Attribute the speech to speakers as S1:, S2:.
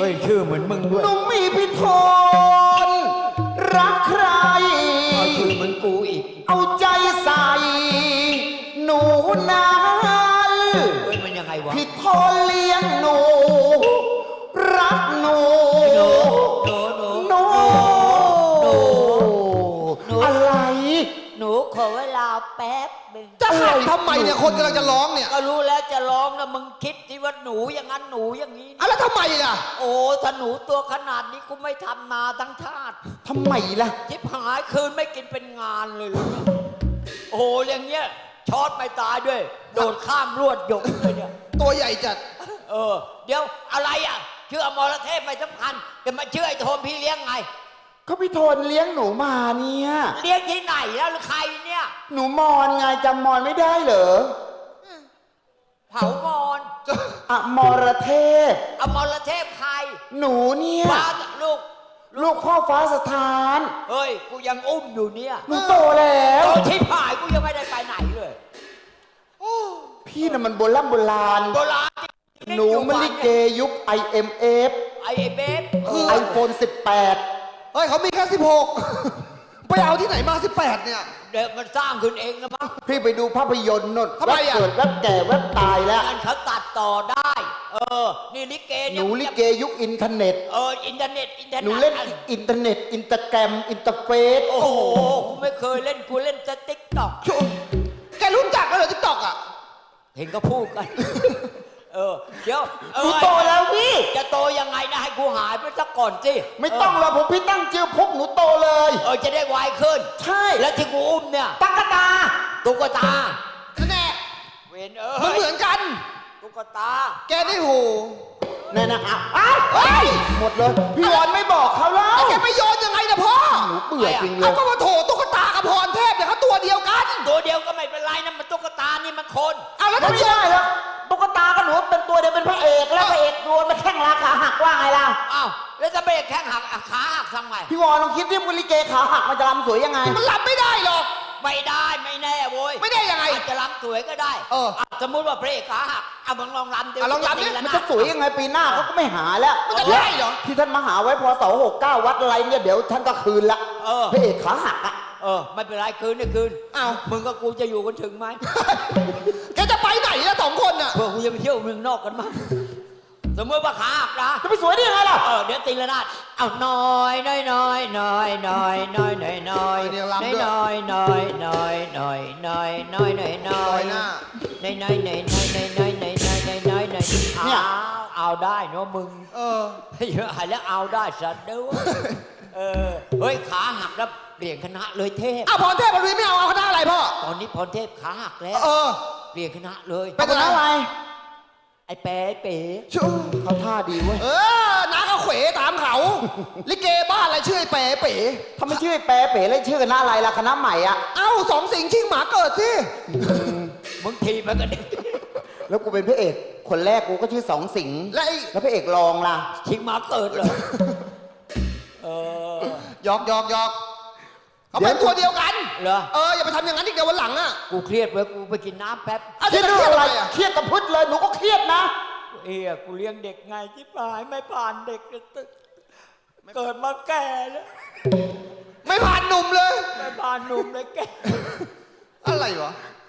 S1: ฮ้ยชื่อเหมือนมึงด้วย
S2: หนูมีพิธนรักใคร
S1: เอาชื่อเหมือนกูอีก
S2: เอาใจใส่ หนูนั้น
S1: เฮ้ยมันยังไงวะ
S2: พิธนเลี้ยงหนู รักหนู
S1: หนู
S2: หนูอะไร
S1: หนูขอเวลาแป๊บหนึ่ง
S3: จะหักทำไมเนี่ยคนกำลังจะร้องเนี่ย
S1: ก็รู้แล้วจะร้องนะมึงคิดที่ว่าหนูอย่างนั้นหนูอย่างนี้
S3: อะแล้วทำไมล่ะ
S1: โอ้ถ้าหนูตัวขนาดนี้กูไม่ทำนาทั้งชาติ
S2: ทำไมล่ะ
S1: ชิบหายคืนไม่กินเป็นงานเลยเหรอเนี่ยโอ้อย่างเงี้ยช็อตไม่ตายด้วย โดดข้ามลวดหยกเลยเนี่ย
S3: ตัวใหญ่จัด
S1: เดี๋ยวอะไรอ่ะชื่ออมรเทพไม่สำคัญแต่มาชื่อไอ้โทมพี่เลี้ยงไง
S2: ก็พี่โทนเลี้ยงหนูมาเนี่ย
S1: เลี้ยงที่ไหนแล้วหรือใครเนี่ย
S2: หนูมอนไงจำมอนไม่ได้เหรอ
S1: เผามอน
S2: อมรเทพ
S1: อมรเทพใคร
S2: หนูเนี่ย
S1: ฟ้าลูก
S2: ลูกพ่อฟ้าสถาน
S1: เฮ้ยกูยังอุ้มอยู่เนี่ย
S2: หนูโตแล้ว
S1: โตที่ผายกูยังไม่ได้ไปไหนเลย
S2: พี่น่ะมันโบราณโบราณ
S1: โบราณ
S2: หนูมันลิเกยุค IMF
S1: ไอ้เบฟ
S2: iPhone
S3: เฮ้ยเขามีแค่16 ไปเอาที่ไหนมา18เนี่ย
S1: เดี๋ยวมันสร้างขึ้นเองนะมั้ง
S2: 18 พี่ไปดูภาพยนตร์นน
S3: ทำไม
S2: แวบ
S3: อ่ะ
S2: เกิดแวบแก่แวบตายแล้ว
S1: นั่นเขาตัดต่อได้ นี่ลิเก
S2: ห
S1: เนี่ย
S2: นูลิเกยุคอินเทอร์เน็ต
S1: อินเทอร์เน็ต
S2: หนูเล่นอินเทอร์เน็ต อินสตาแกรม อินเตอร์เฟซ
S1: โอ้โหกูไม่เคยเล่นกูเล่นแต่ติ๊กต็อก
S3: แกรู้จักแล้วเหรอทิกตอกอ่ะ
S1: เห็นก็พูดกัน เดี๋ยว
S2: หนูโตแล้วพี่
S1: จะโตยังไงนะให้กูหายไปสักก่อนสิ
S2: ไม่ต้องหรอกผมพี่ตั้งชื่อพบหนูโตเลย
S1: จะได้ไวขึ้น
S2: ใช่
S1: แล้วที่กูอุ้มเนี่ย
S2: ตั๊กตา
S1: ตุ๊กตา
S3: แน่
S1: เวน
S3: มันเหมือนกัน
S1: ตุ๊กตา
S3: แกนี่โห
S2: แน่นะอ้าวเฮ้ยหมดเลย พี่วอนไม่บอกเขาแล้ว
S3: แกไปโยนยังไงนะพ่อ
S2: หนูเบื่อจริงเล
S3: เอา
S2: ย
S3: ก็มาโถตุ๊กตากับพรเทพเนี่ยเขาตัวเดียวกัน
S1: ตัวเดียวก็ไม่เป็นไรนะมันตุ๊กตานี่มันคน
S3: เอาแล้ว
S2: ไม่
S3: ทำไม
S2: ได้แล้วตุ๊กตากับหนูเป็นตัวเดียวเป็นพระเอกแล้วพระเอกโดนมาแข้งราขาหักว่าไงล่ะ
S1: อ้าวแล้วจะเบรกแข้งหักขาหักทำไง
S2: พี่วอนลองคิดที่มุลิเกขาหักมันจะรำสวยยังไง
S3: มันรับไม่ได้หรอก
S1: ไม่ได้ไม่แน่โว้ย
S3: ไม่ได้ยังไง
S1: อาจจะรำสวยก็ได้ สมมุติว่าพระเอกขาหักมึงลองรำดิ
S3: ลองรำดิ
S2: มันจะสวยยังไงปีหน้าเขาก็ไม่หาแล้ว
S3: มันจะได้เหรอ
S2: ที่ท่านมาหาไว้พอ269วัดอะไรเนี่ยเดี๋ยวท่านก็คืนละพระเอกขาหักอ่ะ
S1: ไม่เป็นไรคืนนี่คืน
S3: อ้าว
S1: มึงกับกูจะอยู่กันถึงไหม
S3: แกจะไปไหนล่ะ2 คนน่ะ
S1: เพื่อกูจะไปเที่ยวเมืองนอกกันมั้งสมมติว่าขาหักนะ
S2: จะไปสวยได้ยังไงล่ะ
S1: เดี๋ยวตีละนาดเอาน้อยน้อยน้อยน้อยน้อยน้อยน้อยน้อย
S3: เดี๋ยวรำด้วย
S1: น้อยน้อยน้อยน้อยน้อยน้อยน้อยน้อย
S3: หน้า
S1: น้อยน้อยน้อยน้อยน้อยน้อยน้อยน้อยน้อยน้อยน้อย
S2: เนี่ย
S1: เอาได้เนาะมึง เยอะหายแล้วเอาได้สัตว์ด้วยเฮ้ยขาหักแล้วเปลี่ยนคณะเลยเทพ
S3: พรเทพมันไม่เอาคณะอะไรพ่อ
S1: ตอนนี้พรเทพขาหักแล้ว เปลี่ยนคณะเลย
S3: เป็น
S2: คณะอะไร
S1: ไอ้เป๋เป๋
S2: เขาท่าดีเว้ย
S3: น้าก็เขวตามเขา ลิเกบ้านอะไรชื่อไอ้เป๋เป๋
S2: ถ้าไม่ชื่อไอ้แปรเป๋แล้วชื่อคณะอะไรล่ะคณะใหม่อ่ะ
S3: เอ้า2 สิงห์ชิงหมาเกิดสิ
S1: มึงทีมันก็เด็ก
S2: แล้วกูเป็นพระเอกคนแรกกูก็ชื่อสองสิงห์
S3: และไอ้
S2: แล้วพระเอกรองล่ะ
S1: ชิงมาเกิดเหรอ
S3: หยอกเขาเป็นตัวเดียวกัน
S1: เหรอ
S3: อย่าไปทำอย่างนั้นอีกเดี๋ยววันหลังอ่ะ
S1: กูเครียดเว้ยกูไปกินน้ำแป๊บ
S2: เครียดเรื่องอะไรเครียดกับพืชเลยหนูก็เครียดนะ
S1: กูเลี้ยงเด็กไงที่ปลายไม่ผ่านเด็กเลยเกิดมาแก่แล้ว
S3: ไม่ผ่านหนุ่มเลย
S1: ไม่ผ่านหนุ่มเลยแก่
S3: อะไรวะ